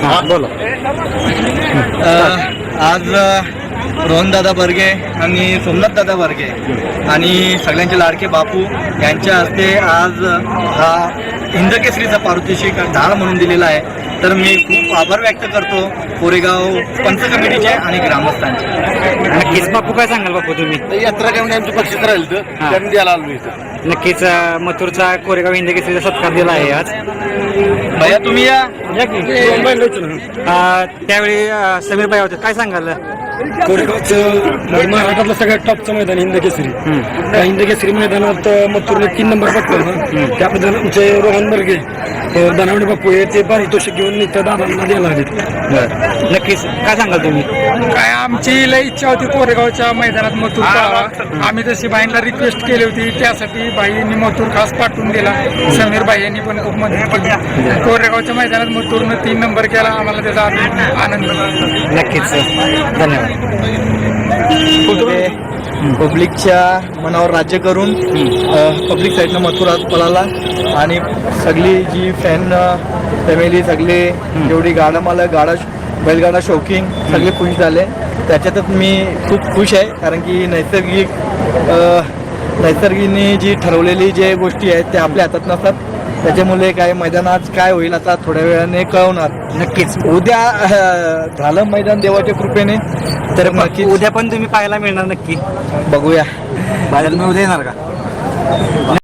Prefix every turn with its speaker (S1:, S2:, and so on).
S1: बोला.
S2: आज रोहनदादा बर्गे आणि सोमनाथदादा बर्गे आणि सगळ्यांचे लाडके बापू यांच्या हस्ते आज हा हिंदकेसरीचा पारितोषिक ढाल म्हणून दिलेला आहे. तर मी खूप आभार व्यक्त करतो कोरेगाव पंच कमिटीचे आणि ग्रामस्थांचे.
S1: नक्कीच बापू, काय सांगाल बापू तुम्ही?
S3: यात्रा घेऊन आमचं बक्षीस राहिलं तर त्यांनी द्यायला आलो इथं.
S1: नक्कीच मथुरचा कोरेगाव हिंदकेसरीचा सत्कार दिला आहे आज.
S2: भैया तुम्ही या.
S1: त्यावेळी समीर भाई होते, काय सांगाल?
S4: कोरेगावचं महाराष्ट्रातलं सगळ्यात टॉपचं मैदान हिंदकेसरी. त्या हिंदकेसरी मैदानात मथुरने 3 नंबर पटकवला. त्याबद्दल आमचे रोहन बर्गे दानवडे बापू हे ते पारितोषिक घेऊन इथं दादांना द्यायला आले.
S1: नक्कीच काय सांगाल तुम्ही?
S4: काय आमची लई इच्छा होती कोरेगावच्या मैदानात मथुर पाहावा. आम्ही तशी बाईंना रिक्वेस्ट केली होती, त्यासाठी बाईंनी मथुर खास पाठवून दिला. समीर बाई यांनी पण खूप मदत केली. कोरेगावच्या मैदानात मथुरनं 3 नंबर केला, आम्हाला त्याचा आनंद झाला.
S1: नक्कीच धन्यवाद.
S2: पब्लिकच्या मनावर राज्य करून पब्लिक साईडनं मथुरा पळाला आणि सगळी जी फॅन फॅमिली सगळे जेवढी गाडा मालक बैलगाडा शौकीन सगळे खुश झाले. त्याच्यातच मी खूप खुश आहे, कारण की नैसर्गिकने जी ठरवलेली जे गोष्टी आहेत त्या आपल्या हातात नसतात. त्याच्यामुळे काय मैदानात काय होईल आता थोड्या वेळाने कळवणार.
S1: नक्कीच
S2: उद्या झालं मैदान देवाच्या कृपेने, तर नक्की
S1: उद्या पण तुम्ही पाहायला मिळणार. नक्की
S2: बघूया.
S1: बाहेर उद्या येणार का?